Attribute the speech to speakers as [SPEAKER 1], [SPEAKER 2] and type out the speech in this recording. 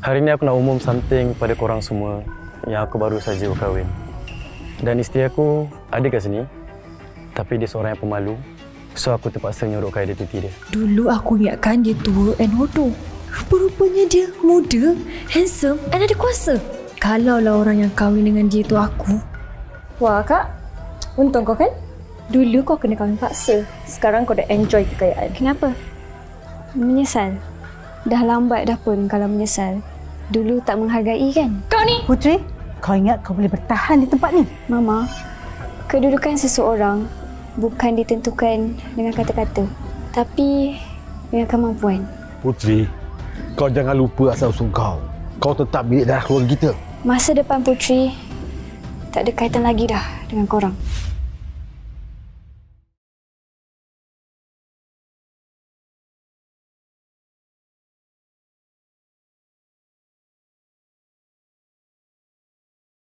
[SPEAKER 1] Hari ni aku nak umum something pada korang semua yang aku baru saja berkahwin. Dan isteri aku ada kat sini, tapi dia seorang yang pemalu. So aku terpaksa nyorokkan identiti dia.
[SPEAKER 2] Dulu aku ingatkan dia tua and hodoh. Rupanya dia muda, handsome and ada kuasa. Kalaulah orang yang kahwin dengan dia tu aku.
[SPEAKER 3] Wah kak, untung kau kan? Dulu kau kena kahwin paksa. Sekarang kau dah enjoy kekayaan.
[SPEAKER 4] Kenapa? Menyesal? Dah lambat dah pun kalau menyesal. Dulu tak menghargai kan?
[SPEAKER 3] Kau ni!
[SPEAKER 5] Putri, kau ingat kau boleh bertahan di tempat ni?
[SPEAKER 4] Mama, kedudukan seseorang bukan ditentukan dengan kata-kata, tapi dengan kemampuan.
[SPEAKER 6] Putri, kau jangan lupa asal usul kau. Kau tetap milik darah keluarga kita.
[SPEAKER 4] Masa depan Putri tak ada kaitan lagi dah dengan korang.